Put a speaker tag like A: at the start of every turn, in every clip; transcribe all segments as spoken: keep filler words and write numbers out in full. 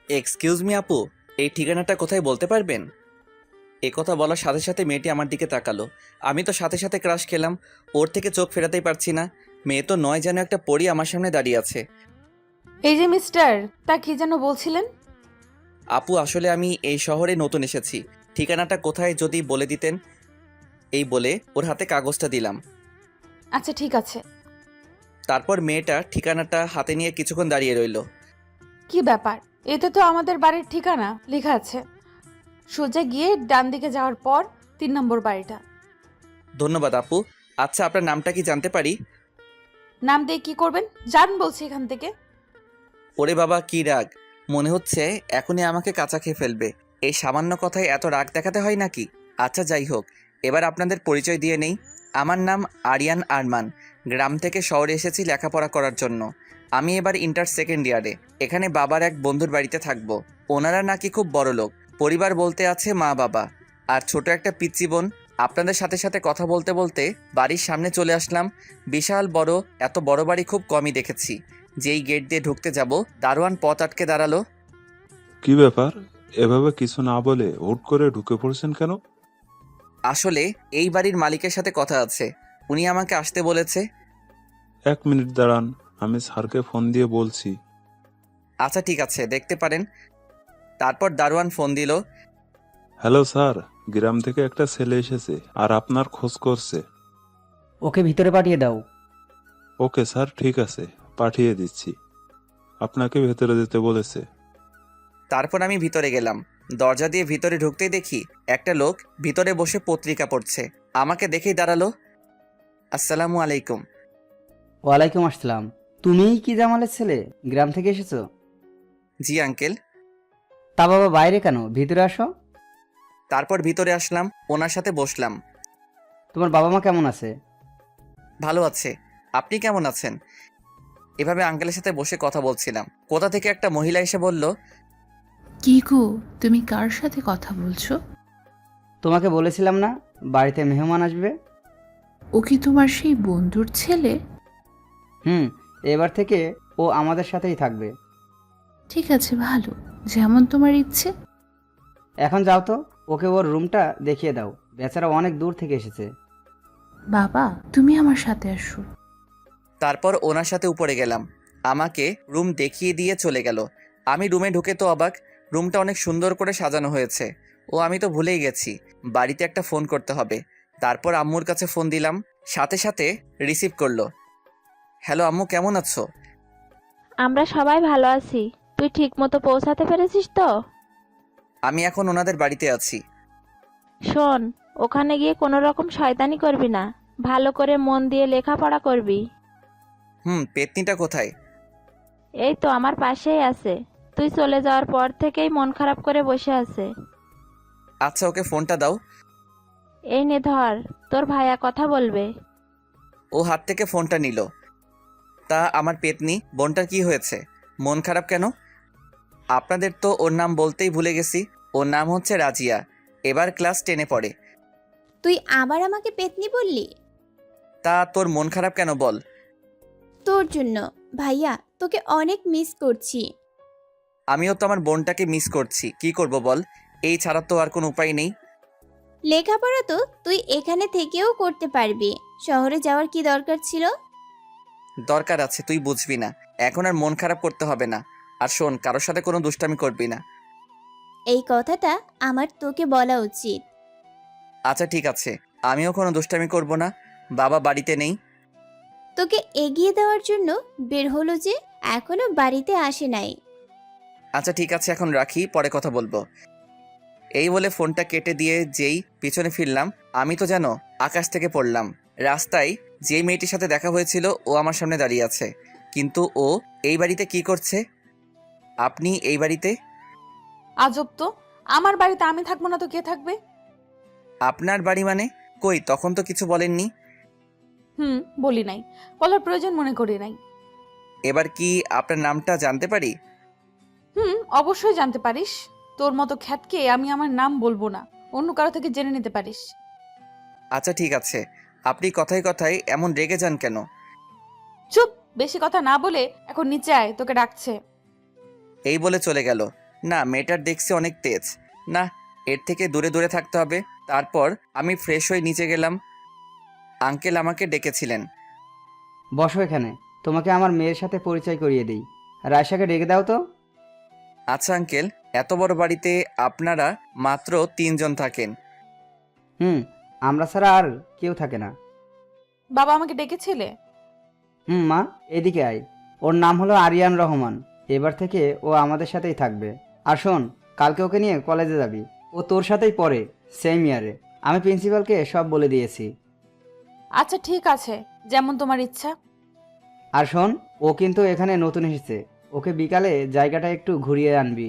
A: Excuse me আপু, এই ঠিকানাটা কোথায় বলতে পারবেন? এ কথা বলার সাথে সাথে মেয়েটি আমার দিকে তাকালো। আমি তো সাথে সাথে ক্রাশ খেলাম। ওর থেকে চোখ ফেরাতেই পারছি না। মেয়ে তো নয় যেন একটা পরী আমার সামনে দাঁড়িয়ে আছে।
B: এই যে মিস্টার, তা কি যেন বলছিলেন?
A: আপু আসলে আমি এই শহরে নতুন এসেছি। ঠিকানাটা কোথায় যদি বলে দিতেন। এই বলে ওর হাতে কাগজটা দিলাম।
B: আচ্ছা ঠিক আছে।
A: তারপর মেয়েটা ঠিকানাটা হাতে নিয়ে কিছুক্ষণ দাঁড়িয়ে রইল।
B: কি ব্যাপার? এতে তো আমাদের বাড়ির ঠিকানা লেখা আছে। সোজা গিয়ে ডান দিকে যাওয়ার পর তিন নম্বর বাড়িটা।
A: ধন্যবাদ আপু। আচ্ছা আপনার নামটা কি জানতে পারি?
B: নাম দিয়ে কি করবেন? যান বলছি এখান থেকে।
A: ওরে বাবা কি রাগ! মনে হচ্ছে এখনই আমাকে কাঁচা খেয়ে ফেলবে। এই সামান্য কথায় এত রাগ দেখাতে হয় নাকি? আচ্ছা যাই হোক, এবার আপনাদের পরিচয় দিয়ে নেই। আমার নাম আরিয়ান আরমান। গ্রাম থেকে শহরে এসেছি লেখাপড়া করার জন্য। আমি এবার ইন্টার সেকেন্ড ইয়ারে। এখানে বাবার এক বন্ধুর বাড়িতে থাকবো। ওনারা নাকি খুব বড় লোক। পরিবার বলতে আছে মা বাবা আর ছোট একটা পিচ্চি বোন। আপনাদের সাথে সাথে কথা বলতে বলতে বাড়ির সামনে চলে আসলাম। বিশাল বড়, এত বড় বাড়ি খুব কমই দেখেছি। যেই গেট দিয়ে ঢুকতে যাব, দারোয়ান পথ আটকে দাঁড়ালো।
C: কি ব্যাপার? এভাবে কিছু না বলে হুট করে ঢুকে পড়ছেন কেন?
A: আসলে এই বাড়ির মালিকের সাথে কথা আছে, উনি আমাকে আসতে বলেছে।
C: এক মিনিট দাঁড়ান, আমি স্যারকে ফোন দিয়ে বলছি।
A: আচ্ছা ঠিক আছে, দেখতে পারেন। তারপর দারোয়ান ফোন দিল।
C: হ্যালো স্যার, গ্রাম থেকে একটা ছেলে এসেছে আর আপনার খোঁজ করছে।
D: ওকে ভিতরে পাঠিয়ে দাও।
C: ওকে স্যার, ঠিক আছে, পাঠিয়ে দিচ্ছি। আপনাকে ভেতরে যেতে বলেছে।
A: তারপর আমি ভিতরে গেলাম। দরজা দিয়ে ভিতরে ঢুকতেই দেখি একটা লোক ভিতরে বসে পত্রিকা পড়ছে। আমাকে দেখেই দাঁড়ালো। আসসালামু আলাইকুম।
D: ওয়ালাইকুম আসসালাম। তুমিই কি জামালের ছেলে? গ্রাম থেকে এসেছো?
A: জি আঙ্কেল।
D: তা বাবা বাইরে কেন, ভিতরে আসো।
A: তারপর ভিতরে আসলাম, ওনার সাথে বসলাম।
D: তোমার বাবা মা কেমন আছে?
A: ভালো আছে। আপনি কেমন আছেন? এভাবে আঙ্কেলের সাথে বসে কথা বলছিলাম। কোথা থেকে একটা মহিলা এসে বলল,
E: কি গো, তুমি কার সাথে কথা বলছো?
D: তোমাকে বলেছিলাম না বাড়িতে মেহমান আসবে।
E: ও কি তোমার সেই বন্ধুর ছেলে?
D: হুম, এবার থেকে ও আমাদের সাথেই থাকবে।
E: ঠিক আছে, ভালো, যেমন তোমার ইচ্ছে।
D: এখন যাও তো, ওকে ওর রুমটা দেখিয়ে দাও। বেচারা অনেক দূর থেকে এসেছে।
E: বাবা, তুমি আমার সাথে আসো।
A: তারপর ওনার সাথে উপরে গেলাম। আমাকে রুম দেখিয়ে দিয়ে চলে গেল। আমি রুমে ঢুকে তো অবাক। রুমটা অনেক সুন্দর করে সাজানো হয়েছে। ও আমি তো ভুলেই গেছি, বাড়িতে একটা ফোন করতে হবে। তারপর আম্মুর কাছে ফোন দিলাম, সাথে সাথে রিসিভ করলো। হ্যালো আম্মু, কেমন আছো?
F: আমরা সবাই ভালো আছি। তুই ঠিক মতো পৌঁছাতে পেরেছিস তো?
A: আমি এখন ওনাদের বাড়িতে আছি।
F: শোন, ওখানে গিয়ে কোনো রকম শয়তানি করবি না। ভালো করে মন দিয়ে লেখাপড়া করবি।
A: হুম, পেতনিটা কোথায়?
F: এই তো আমার পাশেই আছে। তুই চলে যাওয়ার পর থেকেই মন খারাপ করে বসে আছে।
A: আচ্ছা ওকে ফোনটা দাও।
F: এই নে ধর, তোর ভাইয়া কথা বলবে।
A: ও হাত থেকে ফোনটা নিল। তা আমার পেতনি বোনটার কি হয়েছে? মন খারাপ কেন? আপনাদের তো ওর নাম বলতেই ভুলে গেছি। ওর নাম হচ্ছে রাজিয়া। এবার ক্লাস টেনে পড়ে।
G: তুই আবার আমাকে পেতনি বললি?
A: তা তোর মন খারাপ কেন বল?
G: তোর জন্য। ভাইয়া, তোকে অনেক মিস করছি।
A: আমিও তো আমার বোনটাকে মিস করছি, কি করব বল? এই ছাড়া তো আর কোনো উপায় নেই।
G: লেখাপড়া তো তুই এখানে থেকেও করতে পারবি। শহরে যাওয়ার কি দরকার ছিল?
A: দরকার আছে, তুই বুঝবি না। এখন আর মন খারাপ করতে হবে না। আর শোন, কারোর সাথে কোনো দুষ্টামি করবি না।
G: এই কথাটা আমার তোকে বলা উচিত।
A: আচ্ছা ঠিক আছে, আমিও কোনো দুষ্টামি করব না। বাবা বাড়িতে নেই।
G: তোকে এগিয়ে দেওয়ার জন্য বের হলো যে এখনো বাড়িতে আসে নাই।
A: আচ্ছা ঠিক আছে, এখন রাখি, পরে কথা বলবো। এই বলে ফোনটা কেটে দিয়ে যেই পিছনে ফিরলাম, আমি তো যেন আকাশ থেকে পড়লাম। রাস্তায় যেই মেয়েটির সাথে দেখা হয়েছিল ও আমার সামনে দাঁড়িয়ে আছে। কিন্তু ও এই বাড়িতে কি করছে? আপনি এই বাড়িতে?
B: আজব তো, আমার বাড়িতে আমি থাকবো না তো কে থাকবে?
A: আপনার বাড়ি মানে? কই, তখন তো কিছু বলেননি।
B: হুম, বলি নাই, বলার প্রয়োজন মনে করি নাই।
A: এবার কি আপনার নামটা জানতে পারি?
B: হুম, অবশ্যই জানতে পারিস। তোর মতো খ্যাতকে আমি আমার নাম বলবো না, অন্য কারো থেকে জেনে নিতে পারিস।
A: আচ্ছা ঠিক আছে, আপনি কথায় কথায় এমন রেগে যান কেন?
B: চুপ, বেশি কথা না বলে এখন নিচে আয়, তোকে ডাকছে।
A: এই বলে চলে গেল। না, মেয়েটার দেখছি অনেক তেজ। না, এর থেকে দূরে দূরে থাকতে হবে। তারপর আমি ফ্রেশ হয়ে নিচে গেলাম। আঙ্কেল আমাকে ডেকেছিলেন।
D: বসো এখানে, তোমাকে আমার মেয়ের সাথে পরিচয় করিয়ে দিই। রায়শাকে ডেকে দাও তো।
A: আচ্ছা আঙ্কেল, এত বড় বাড়িতে আপনারা মাত্র তিনজন থাকেন?
D: হুম, আমরা ছাড়া আর কেউ থাকে না।
B: বাবা আমাকে ডেকেছিলে?
D: হুম মা, এদিকে আয়। ওর নাম হলো আরিয়ান রহমান। এবার থেকে ও আমাদের সাথেই থাকবে। আর শোন, কালকে ওকে নিয়ে কলেজে যাবি। ও তোর সাথেই পড়ে, সেম ইয়ারে। আমি প্রিন্সিপালকে সব বলে দিয়েছি।
B: আচ্ছা ঠিক আছে, যেমন তোমার ইচ্ছা।
D: আর শোন, ও কিন্তু এখানে নতুন এসেছে। ওকে বিকালে জায়গাটা একটু ঘুরিয়ে আনবি।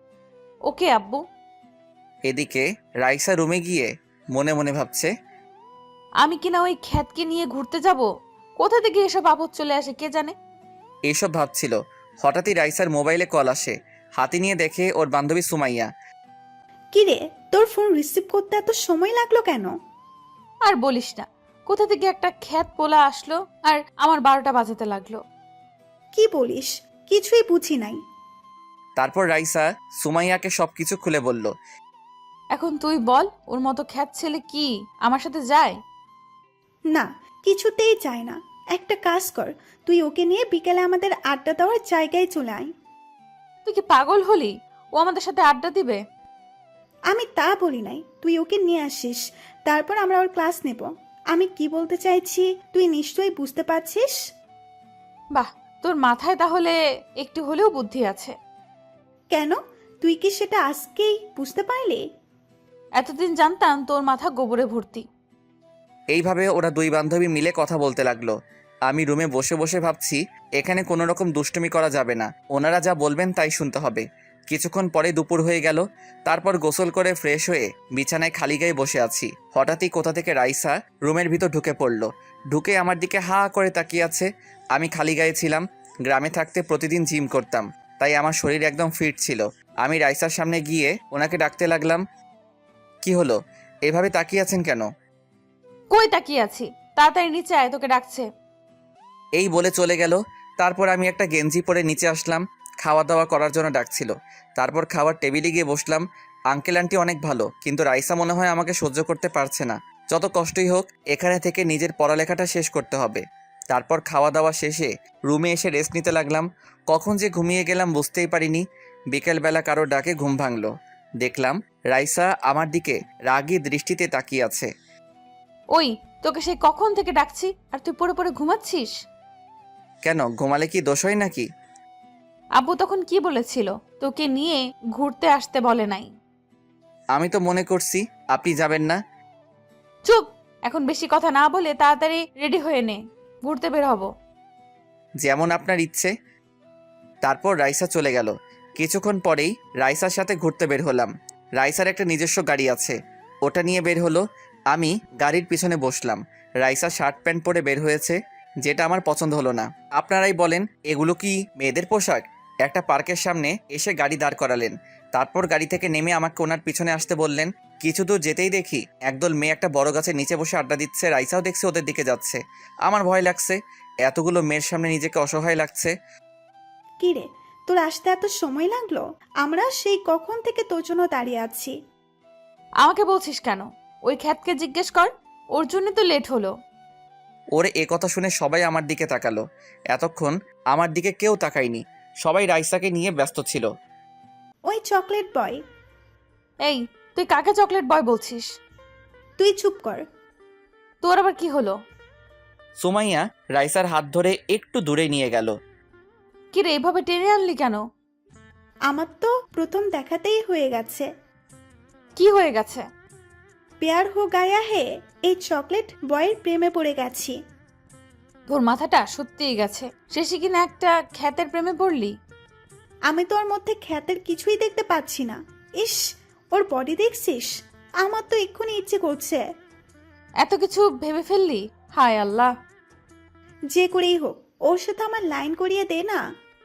B: ওকে আব্বু।
A: এদিকে রাইসা রুমে গিয়ে মনে মনে ভাবছে,
B: আমি কিনা ওই খ্যাতকে নিয়ে ঘুরতে যাব? কোথা থেকে এসব আপদ চলে আসে কে জানে।
A: এইসব ভাবছিল, হঠাৎই রাইসার মোবাইলে কল আসে। হাতে নিয়ে দেখে ওর বান্ধবী সুমাইয়া।
H: কিরে, তোর ফোন রিসিভ করতে এত সময় লাগলো কেন?
B: আর বলিস না, কোথা থেকে একটা খ্যাত পোলা আসলো আর আমার বারোটা বাজাতে লাগলো।
H: কি বলিস? কিছুই বুঝি নাই।
A: তারপর রাইসা সুমাইয়াকে সবকিছু খুলে বলল।
B: এখন তুই বল, ওর মতো খ্যাত ছেলে কি আমার সাথে যায়?
H: না, কিছুতেই চায় না। একটা কাজ কর, তুই ওকে নিয়ে বিকেলে আমাদের আড্ডা দেওয়ার জায়গায় চলে আয়।
B: তুই কি পাগল হলি? ও আমাদের সাথে আড্ডা দিবে?
H: আমি তা বলি নাই, তুই ওকে নিয়ে আসিস, তারপর আমরা ওর ক্লাস নেব। আমি কি বলতে চাইছি তুই নিশ্চয়ই বুঝতে পারছিস।
B: বাহ, তোর মাথায় তাহলে একটু হলেও বুদ্ধি আছে।
H: কেন, তুই কি সেটা আজকেই বুঝতে পারলি?
B: এতদিন জানতাম তোর মাথা গোবরে ভর্তি।
A: এইভাবে ওরা দুই বান্ধবী মিলে কথা বলতে লাগলো। আমি রুমে বসে বসে ভাবছি, এখানে কোনো রকম দুষ্টুমি করা যাবে না। ওনারা যা বলবেন তাই শুনতে হবে। কিছুক্ষণ পরে দুপুর হয়ে গেল। তারপর গোসল করে ফ্রেশ হয়ে বিছানায় খালি গায়ে বসে আছি। হঠাৎই কোথা থেকে রাইসা রুমের ভিতর ঢুকে পড়লো। ঢুকে আমার দিকে হা করে তাকিয়ে আছে। আমি খালি গায়ে ছিলাম। গ্রামে থাকতে প্রতিদিন জিম করতাম, তাই আমার শরীর একদম ফিট ছিল। আমি রাইসার সামনে গিয়ে ওনাকে ডাকতে লাগলাম। কি হলো, এভাবে তাকিয়ে আছেন কেন?
B: কই তাকিয়ে আছি? তাড়াতাড়ি নিচে আয়, তোকে ডাকছে।
A: এই বলে চলে গেল। তারপর আমি একটা গেঞ্জি পরে নিচে আসলাম। খাওয়া দাওয়া করার জন্য ডাকছিল। তারপর খাওয়ার টেবিলে গিয়ে বসলাম। আঙ্কেল আন্টি অনেক ভালো, কিন্তু রাইসা মনে হয় আমাকে সহ্য করতে পারছে না। যত কষ্টই হোক, এখানে থেকে নিজের পড়ালেখাটা শেষ করতে হবে। তারপর খাওয়া দাওয়া শেষে রুমে এসে রেস্ট নিতে লাগলাম। কখন যে ঘুমিয়ে গেলাম বুঝতেই পারিনি। বিকেলবেলা কারো ডাকে ঘুম ভাঙলো। দেখলাম রাইসা আমার দিকে রাগী দৃষ্টিতে তাকিয়ে আছে।
B: ওই, তোকে সেই কখন থেকে ডাকছি আর তুই পড়ে পড়ে ঘুমাচ্ছিস?
A: কেন, ঘুমালে কি দোষ হয় নাকি?
B: আব্বু তখন কি বলেছিল? তোকে নিয়ে ঘুরতে আসতে বলে নাই।
A: আমি তো মনে করছি আপনি যাবেন না।
B: চুপ, এখন বেশি কথা না বলে তাড়াতাড়ি রেডি হয়ে নে, ঘুরতে বের হব।
A: যেমন আপনার ইচ্ছে। তারপর রাইসা চলে গেল। কিছুক্ষণ পরেই রাইসার সাথে ঘুরতে বের হলাম। রাইসার একটা নিজস্ব গাড়ি আছে, ওটা নিয়ে বের হলো। আমি গাড়ির পিছনে বসলাম। রাইসা শার্ট প্যান্ট পরে বের হয়েছে, যেটা আমার পছন্দ হলো না। আপনারাই বলেন, এগুলো কি মেয়েদের পোশাক? একটা পার্কের সামনে এসে গাড়ি দাঁড় করালেন। তারপর গাড়ি থেকে নেমে আমাকে ওনার পিছনে আসতে বললেন। কিছু দূর যেতেই দেখি একদল মেয়ে একটা বড় গাছের নিচে বসে আড্ডা দিচ্ছে। রাইসাও দেখছে ওদের দিকে যাচ্ছে। আমার ভয় লাগছে, এতগুলো মেয়ের সামনে নিজেকে অসহায় লাগছে।
H: কিরে, তোর আসতে এত সময় লাগলো? আমরা সেই কখন থেকে তোর জন্য দাঁড়িয়ে আছি।
B: আমাকে বলছিস কেন? ওই খ্যাতকে জিজ্ঞেস কর, ওর জন্য তো লেট হলো।
A: ওরে এ কথা শুনে সবাই আমার দিকে তাকালো। এতক্ষণ আমার দিকে কেউ তাকায়নি, সবাই রাইসাকে নিয়ে ব্যস্ত ছিল।
H: ওই চকলেট বয়।
B: এই, তুই কাকে চকলেট বয় বলছিস?
H: তুই চুপ কর।
B: তোর আবার কি হলো?
A: সুমাইয়া রাইসার হাত ধরে একটু দূরে নিয়ে গেল।
B: কি রে, এভাবে টেনে আনলি কেন?
H: আমার তো প্রথম দেখাতেই হয়ে গেছে।
B: কি হয়ে গেছে?
H: প্যার হো গায়া হে, এই চকলেট বয়ের প্রেমে পড়ে গেছি।
B: তোর মাথাটা সত্যিই গেছে। শেষে কিনা একটা খ্যাতের প্রেমে পড়লি।
H: আমি তো ওর মধ্যে খ্যাতের কিছুই দেখতে পাচ্ছি না। ইস, ওর বডি দেখছিস? আমার তো এক্ষুনি ইচ্ছে করছে।
B: এত কিছু ভেবে ফেললি? হায় আল্লাহ।
H: যে করেই হোক ওর সাথে আমার লাইন করিয়ে দে না।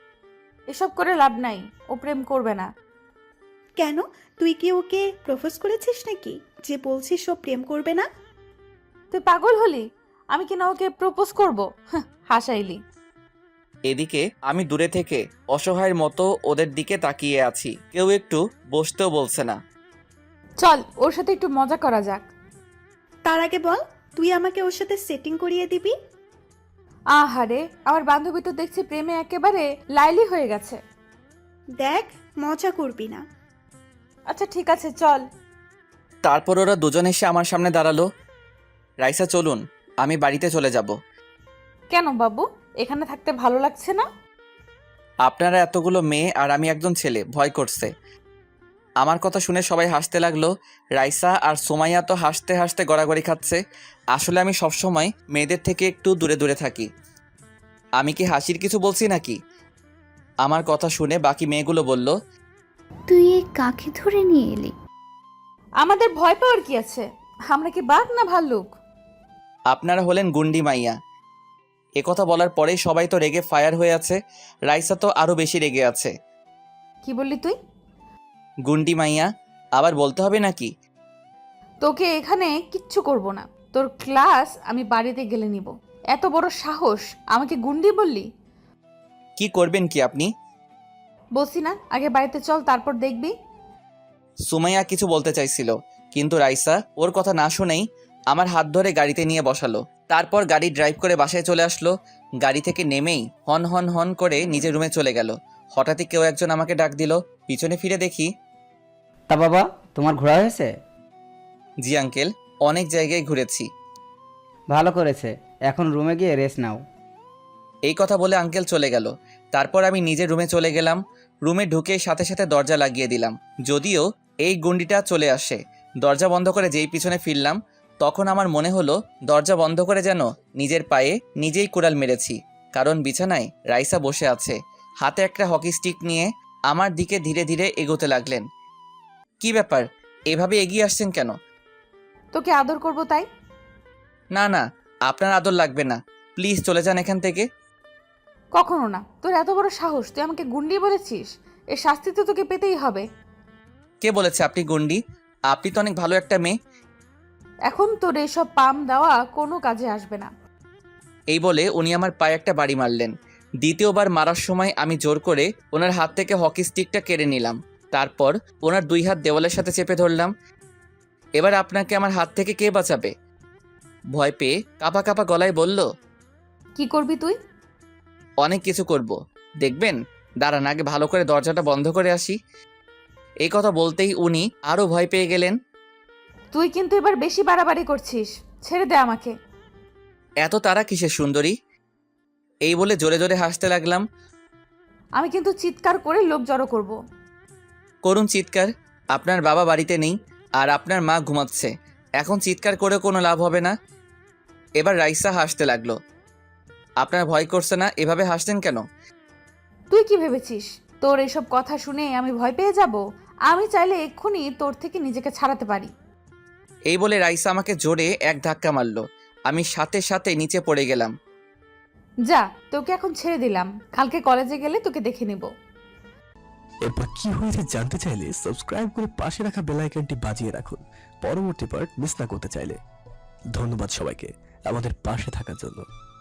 B: এসব করে লাভ নাই, ও প্রেম করবে না।
H: কেন, তুই কি ওকে প্রপোজ করেছিস নাকি যে বলছিস ও প্রেম করবে না?
B: তুই পাগল হলি? আমি কিনা ওকে প্রপোজ করব? হাসাইলি।
A: এদিকে আমি দূরে থেকে অসহায়ের মতো ওদের দিকে তাকিয়ে আছি, কেউ একটু বসতেও বলছে না।
B: চল ওর সাথে একটু মজা করা যাক।
H: তার আগে বল, তুই আমাকে ওর সাথে সেটিং করিয়ে দিবি?
B: আহারে, আমার বান্ধবী তো দেখছি প্রেমে একেবারে লাইলি হয়ে গেছে।
H: দেখ, মজা করবি না।
B: আচ্ছা ঠিক আছে, চল।
A: তারপর ওরা দুজন এসে আমার সামনে দাঁড়ালো। রাইসা চলুন, আমি বাড়িতে চলে যাব।
B: কেন বাবু, এখানে থাকতে ভালো লাগছে না?
A: আপনারা এতগুলো মেয়ে আর আমি একজন ছেলে, ভয় করছে। আমার কথা শুনে সবাই হাসতে লাগলো। রাইসা আর সোমাইয়া তো হাসতে হাসতে গড়াগড়ি খাচ্ছে। আসলে আমি সবসময় মেয়েদের থেকে একটু দূরে দূরে থাকি। আমি কি হাসির কিছু বলছি নাকি? আমার কথা শুনে বাকি মেয়েগুলো বলল,
I: তুই এ কাকে ধরে নিয়ে এলি?
B: আমাদের ভয় পাওয়ার কি আছে? আমরা কি বাঘ না ভাল্লুক?
A: আপনারা হলেন গুন্ডি মাইয়া। একথা বলার পরেই সবাই তো রেগে ফায়ার হয়ে আছে। রাইসা তো আরও বেশি রেগে আছে।
B: কি বললি তুই?
A: গুন্ডি মাইয়া আবার বলতে হবে নাকি?
B: তোকে এখানে কিচ্ছু করব না। তোর ক্লাস আমি বাড়িতে গেলে নিব। এত বড় সাহস, আমাকে গুন্ডি বললি?
A: কি করবেন কি আপনি?
B: বলছি না, আগে বাড়িতে চল, তারপর দেখবি।
A: সুমাইয়া কিছু বলতে চাইছিল, কিন্তু রাইসা ওর কথা না শুনেই আমার হাত ধরে গাড়িতে নিয়ে বসালো। তারপর গাড়ি ড্রাইভ করে বাসায় চলে আসলো। গাড়ি থেকে নেমেই হন হন হন করে নিজের রুমে চলে গেল। হঠাৎই কেউ একজন আমাকে ডাক দিল। পিছনে ফিরে দেখি,
D: তা বাবা, তোমার ঘোরা হয়েছে?
A: জি আঙ্কেল, অনেক জায়গায় ঘুরেছি।
D: ভালো করেছে, এখন রুমে গিয়ে রেস্ট নাও।
A: এই কথা বলে আঙ্কেল চলে গেল। তারপর আমি নিজের রুমে চলে গেলাম। রুমে ঢুকে সাথে সাথে দরজা লাগিয়ে দিলাম। যদিও এই গুন্ডিটা চলে আসে। দরজা বন্ধ করে যেই পিছনে ফিরলাম, তখন আমার মনে হলো দরজা বন্ধ করে যেন নিজের পায়ে নিজেই কুড়াল মেরেছি। কারণ বিছানায় রাইসা বসে আছে, হাতে একটা হকি স্টিক নিয়ে আমার দিকে ধীরে ধীরে এগোতে লাগলেন। কি ব্যাপার, এভাবে এগিয়ে আসছেন কেন?
B: তোকে আদর করব তাই।
A: না না, আপনার আদর লাগবে না, প্লিজ চলে যান এখান থেকে।
B: কখনো না। তোর এত বড় সাহস, তুই আমাকে গুন্ডি বলেছিস? এর শাস্তি তো তোকে পেতেই হবে।
A: কে বলেছে আপনি গুন্ডি? আপনি তো অনেক ভালো একটা মেয়ে।
B: এখন তোর এসব পাম দেওয়া কোনো কাজে আসবে না।
A: এই বলে উনি আমার পায়ে একটা বাড়ি মারলেন। দ্বিতীয়বার মারার সময় আমি জোর করে ওনার হাত থেকে হকি স্টিকটা কেড়ে নিলাম। তারপর ওনার দুই হাত দেওয়ালের সাথে চেপে ধরলাম। এবার আপনাকে আমার হাত থেকে কে বাঁচাবে? ভয় পেয়ে কাঁপা কাঁপা গলায় বলল,
B: কি করবি তুই?
A: অনেক কিছু করব, দেখবেন। দাঁড়ান, আগে ভালো করে দরজাটা বন্ধ করে আসি। এই কথা বলতেই উনি আরও ভয় পেয়ে গেলেন।
B: তুই কিন্তু এবার বেশি বাড়াবাড়ি করছিস, ছেড়ে দে আমাকে।
A: এত তারা কিসের সুন্দরী? এই বলে জোরে জোরে হাসতে লাগলাম।
B: আমি কিন্তু চিৎকার করে লোক জড়ো করব।
A: করুন চিৎকার, আপনার বাবা বাড়িতে নেই আর আপনার মা ঘুমাচ্ছে। এখন চিৎকার করে কোনো লাভ হবে না। এবার রাইসা হাসতে লাগলো। আপনার ভয় করছে না? এভাবে হাসছেন কেন?
B: তুই কি ভেবেছিস তোর এসব কথা শুনে আমি ভয় পেয়ে যাব? আমি চাইলে এক্ষুনি তোর থেকে নিজেকে ছাড়াতে পারি।
A: এই বলে রাইসা আমাকে জোরে এক ধাক্কা মারলো। আমি সাথে সাথে নিচে পড়ে গেলাম।
B: যা, তোকে এখন ছেড়ে দিলাম, কালকে কলেজে গেলে তোকে দেখে নিব।
J: এরপর কি হয়েছে জানতে চাইলে সাবস্ক্রাইব করে পাশে রাখা বেল আইকনটি বাজিয়ে রাখুন পরবর্তী পার্ট মিস না করতে চাইলে। ধন্যবাদ সবাইকে আমাদের পাশে থাকার জন্য।